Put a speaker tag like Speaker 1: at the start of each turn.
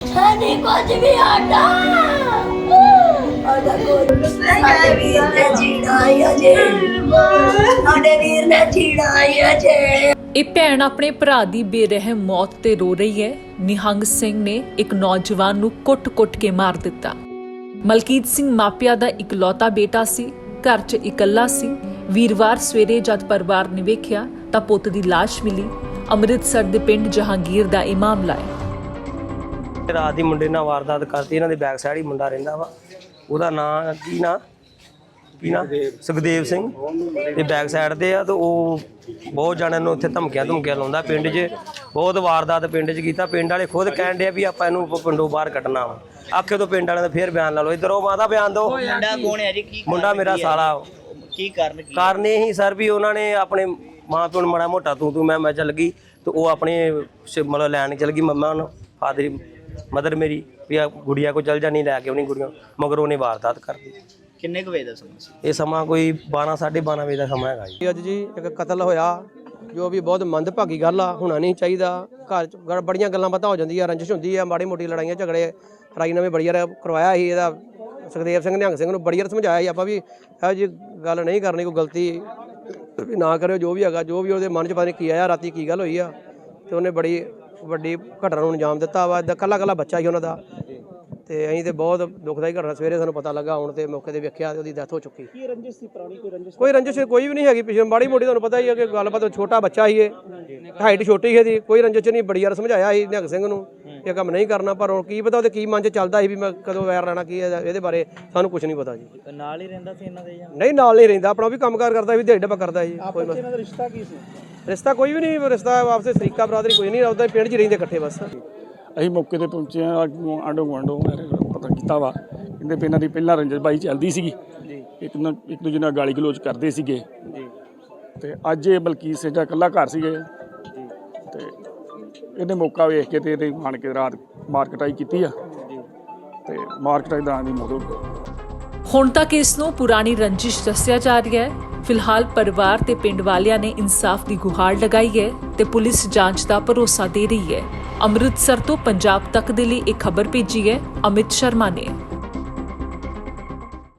Speaker 1: नहीं कुछ भी आटा आटा को साडे वीर ने छीड़ाया जे साडे वीर ने छीड़ाया जे।
Speaker 2: ਇਹ ਭੈਣ ਆਪਣੇ ਭਰਾ ਦੀ ਬੇਰਹਿਮ ਮੌਤ ਤੇ ਰੋ ਰਹੀ ਹੈ। ਨਿਹੰਗ ਸਿੰਘ ਨੇ ਇੱਕ ਨੌਜਵਾਨ ਨੂੰ ਕੁੱਟ-ਕੁੱਟ ਕੇ ਮਾਰ ਦਿੱਤਾ। ਮਲਕੀਤ ਸਿੰਘ ਮਾਪਿਆਂ ਦਾ ਇਕਲੌਤਾ ਬੇਟਾ ਸੀ, ਘਰ 'ਚ ਇਕੱਲਾ ਸੀ। ਵੀਰਵਾਰ ਸਵੇਰੇ ਜਦ ਪਰਿਵਾਰ ਨੇ ਵੇਖਿਆ ਤਾਂ ਪੁੱਤ ਦੀ ਲਾਸ਼ ਮਿਲੀ। ਅੰਮ੍ਰਿਤਸਰ ਦੇ ਪਿੰਡ ਜਹਾਂਗੀਰ ਦਾ ਇਹ ਮਾਮਲਾ ਹੈ।
Speaker 3: ਰਾਤ ਦੀ ਮੁੰਡੇ ਨਾਲ ਵਾਰਦਾਤ ਕਰਤੀ। ਇਹਨਾਂ ਦੇ ਬੈਕ ਸਾਈਡ ਹੀ ਮੁੰਡਾ ਰਹਿੰਦਾ ਵਾ, ਉਹਦਾ ਨਾਂ ਕੀ ਨਾਂ ਸੁਖਦੇਵ ਸਿੰਘ ਤੇ ਬੈਕ ਸਾਈਡ ਤੇ ਆ। ਤੇ ਉਹ ਬਹੁਤ ਜਣਿਆਂ ਨੂੰ ਉੱਥੇ ਧਮਕੀਆਂ ਲਾਉਂਦਾ। ਪਿੰਡ 'ਚ ਬਹੁਤ ਵਾਰਦਾਤ ਪਿੰਡ 'ਚ ਕੀਤਾ। ਪਿੰਡ ਵਾਲੇ ਖੁਦ ਕਹਿਣ ਡਿਆ ਵੀ ਆਪਾਂ ਇਹਨੂੰ ਪਿੰਡੋਂ ਬਾਹਰ ਕੱਢਣਾ ਵਾ। ਆਖੇ ਤੋਂ ਪਿੰਡ ਵਾਲਿਆਂ ਦਾ ਫੇਰ ਬਿਆਨ ਲਾ ਲਓ। ਇੱਧਰ ਉਹ ਮਾਤਾ ਬਿਆਨ ਦਿਓ।
Speaker 4: ਮੁੰਡਾ ਕੌਣ ਹੈ ਜੀ? ਕੀ
Speaker 3: ਮੁੰਡਾ ਮੇਰਾ ਸਾਲਾ।
Speaker 4: ਕੀ ਕਾਰਨ
Speaker 3: ਇਹੀ ਸਰ ਵੀ ਉਹਨਾਂ ਨੇ ਆਪਣੇ ਮਾਂ ਪਿਓ ਨੂੰ ਮਾੜਾ ਮੋਟਾ ਤੂੰ ਮੈਂ ਚੱਲ ਗਈ ਤੇ ਉਹ ਆਪਣੇ ਮਤਲਬ ਲੈਣ ਚੱਲ ਗਈ। ਮੰਮਾ ਨੂੰ ਫਾਦਰ ਮਦਰ ਮੇਰੀ ਵੀ ਆ ਗੁੜੀਆ ਕੋ ਚੱਲ ਜਾਣੀ, ਲੈ ਕੇ ਉਹਨੇ ਗੁੜੀਆਂ ਮਗਰ ਉਹਨੇ ਵਾਰਦਾਤ ਕਰਦੀ।
Speaker 4: ਕਿੰਨੇ ਕੁ ਵਜੇ ਦਾ ਸਮਾਂ ਸੀ
Speaker 3: ਇਹ ਸਮਾਂ ਕੋਈ 12 12:30 ਵਜੇ ਦਾ ਸਮਾਂ ਹੈਗਾ ਜੀ।
Speaker 5: ਅੱਜ ਜੀ ਇੱਕ ਕਤਲ ਹੋਇਆ ਜੋ ਵੀ ਬਹੁਤ ਮੰਦਭਾਗੀ ਗੱਲ ਆ। ਹੋਣਾ ਨਹੀਂ ਚਾਹੀਦਾ। ਘਰ 'ਚ ਬੜੀਆਂ ਗੱਲਾਂ ਬਾਤਾਂ ਹੋ ਜਾਂਦੀਆਂ, ਰੰਜਿਸ਼ ਹੁੰਦੀ ਆ, ਮਾੜੀ ਮੋਟੀ ਲੜਾਈਆਂ ਝਗੜੇ। ਰਾਜੀਨਾਮੇ ਬੜੀ ਵਾਰ ਕਰਵਾਇਆ ਸੀ ਇਹਦਾ ਸੁਖਦੇਵ ਸਿੰਘ ਨਿਹੰਗ ਸਿੰਘ ਨੂੰ ਬੜੀ ਵਾਰ ਸਮਝਾਇਆ ਸੀ ਆਪਾਂ ਵੀ ਇਹੋ ਜਿਹੀ ਗੱਲ ਨਹੀਂ ਕਰਨੀ, ਕੋਈ ਗਲਤੀ ਵੀ ਨਾ ਕਰਿਓ। ਜੋ ਵੀ ਹੈਗਾ, ਜੋ ਵੀ ਉਹਦੇ ਮਨ 'ਚ ਪਤਾ ਨਹੀਂ ਕੀ ਆਇਆ, ਰਾਤੀ ਕੀ ਗੱਲ ਹੋਈ ਆ, ਤੇ ਉਹਨੇ ਬੜੀ ਵੱਡੀ ਘਟਨਾ ਨੂੰ ਅੰਜਾਮ ਦਿੱਤਾ ਵਾ। ਕੱਲਾ ਬੱਚਾ ਸੀ ਉਹਨਾਂ ਦਾ, ਤੇ ਅਸੀਂ ਤੇ ਬਹੁਤ ਦੁਖਦਾਈ ਘਟਨਾ ਸਵੇਰੇ ਸਾਨੂੰ ਪਤਾ ਲੱਗਾ। ਹੁਣ ਤੇ ਮੌਕੇ ਤੇ ਵੇਖਿਆ ਤੇ ਉਹਦੀ ਡੈਥ ਹੋ ਚੁੱਕੀ।
Speaker 6: ਕੀ ਰੰਜਿਸ਼ ਸੀ ਪੁਰਾਣੀ?
Speaker 5: ਕੋਈ ਰੰਜਿਸ਼ ਕੋਈ ਵੀ ਨਹੀਂ ਹੈਗੀ ਪਿੱਛੇ, ਮਾੜੀ ਮੋਟੀ ਤੁਹਾਨੂੰ ਪਤਾ ਹੀ ਹੈ ਕਿ ਗੱਲਬਾਤ। ਛੋਟਾ ਬੱਚਾ ਸੀ ਇਹ, ਹਾਈਟ ਛੋਟੀ ਸੀ ਇਹਦੀ। ਕੋਈ ਰੰਜਿਸ਼ ਨਹੀਂ। ਬੜੀ ਵਾਰ ਸਮਝਾਇਆ ਸੀ ਨਿਹੰਗ ਸਿੰਘ ਨੂੰ ਇਹ ਕੰਮ ਨਹੀਂ ਕਰਨਾ, ਪਰ ਹੁਣ ਕੀ ਪਤਾ ਉਹਦੇ ਕੀ ਮਨ 'ਚ ਚੱਲਦਾ ਸੀ ਵੀ ਮੈਂ ਕਦੋਂ ਵੈਰ ਲੈਣਾ ਕੀ ਇਹਦੇ ਬਾਰੇ ਸਾਨੂੰ ਕੁਝ ਨਹੀਂ ਪਤਾ ਜੀ।
Speaker 4: ਨਾਲ ਹੀ ਰਹਿੰਦਾ ਸੀ ਇਹਨਾਂ ਦੇ ਜਾਂ
Speaker 5: ਨਹੀਂ, ਨਾਲ ਨਹੀਂ ਰਹਿੰਦਾ, ਆਪਣਾ ਵੀ ਕੰਮਕਾਰ ਕਰਦਾ ਵੀ ਦਿਹਾੜੀ ਡੱਬਾ ਕਰਦਾ ਜੀ। ਕੋਈ
Speaker 6: ਇਹਨਾਂ ਦਾ ਰਿਸ਼ਤਾ ਕੀ ਸੀ?
Speaker 5: ਰਿਸ਼ਤਾ ਕੋਈ ਵੀ ਨਹੀਂ। ਰਿਸ਼ਤਾ ਆਪਸੇ ਸਰੀਕਾ ਬਰਾਦਰੀ ਕੋਈ ਨਹੀਂ। ਉਹਦਾ ਪਿੰਡ 'ਚ ਰਹਿੰਦੇ ਇਕੱਠੇ ਬਸ।
Speaker 6: ਅਸੀਂ ਮੌਕੇ ਤੇ ਪਹੁੰਚੇ ਆ। ਆਂਡੋ ਗੁਆਂਢੋਂ ਪਤਾ ਕੀਤਾ ਵਾ, ਕਹਿੰਦੇ ਵੀ ਇਹਨਾਂ ਦੀ ਪਹਿਲਾਂ ਰੰਜਿਸ਼ਬਾਈ ਚੱਲਦੀ ਸੀਗੀ, ਇੱਕ ਦੂਜੇ ਨਾਲ ਗਾਲੀ ਗਲੋਚ ਕਰਦੇ ਸੀਗੇ। ਤੇ ਅੱਜ ਇਹ ਬਲਕੀਤ ਸਿੰਘ ਦਾ ਇਕੱਲਾ ਘਰ ਸੀਗੇ ਤੇ ਇਹਨੇ ਮੌਕਾ ਵੇਖ ਕੇ ਤੇ ਇਹਦੇ ਆਣ ਕੇ ਰਾਤ ਮਾਰਕਟਾਈ ਕੀਤੀ ਆ ਤੇ ਮਾਰਕਟਾਈ ਦਾ ਦੀ ਮੌਤ ਹੋ ਗਈ।
Speaker 2: ਹੁਣ ਤੱਕ ਇਸ ਨੂੰ ਪੁਰਾਣੀ ਰੰਜਿਸ਼ ਦੱਸਿਆ ਜਾ ਰਿਹਾ ਹੈ। ਫਿਲਹਾਲ ਪਰਿਵਾਰ ਤੇ ਪਿੰਡ ਵਾਲਿਆਂ ਨੇ ਇਨਸਾਫ ਦੀ ਗੁਹਾਰ ਲਗਾਈ ਹੈ ਤੇ ਪੁਲਿਸ ਜਾਂਚ ਦਾ ਭਰੋਸਾ ਦੇ ਰਹੀ ਹੈ। ਅੰਮ੍ਰਿਤਸਰ ਤੋਂ ਪੰਜਾਬ ਤੱਕ ਦੇ ਲਈ ਇਹ ਖਬਰ ਭੇਜੀ ਹੈ ਅਮਿਤ ਸ਼ਰਮਾ ਨੇ।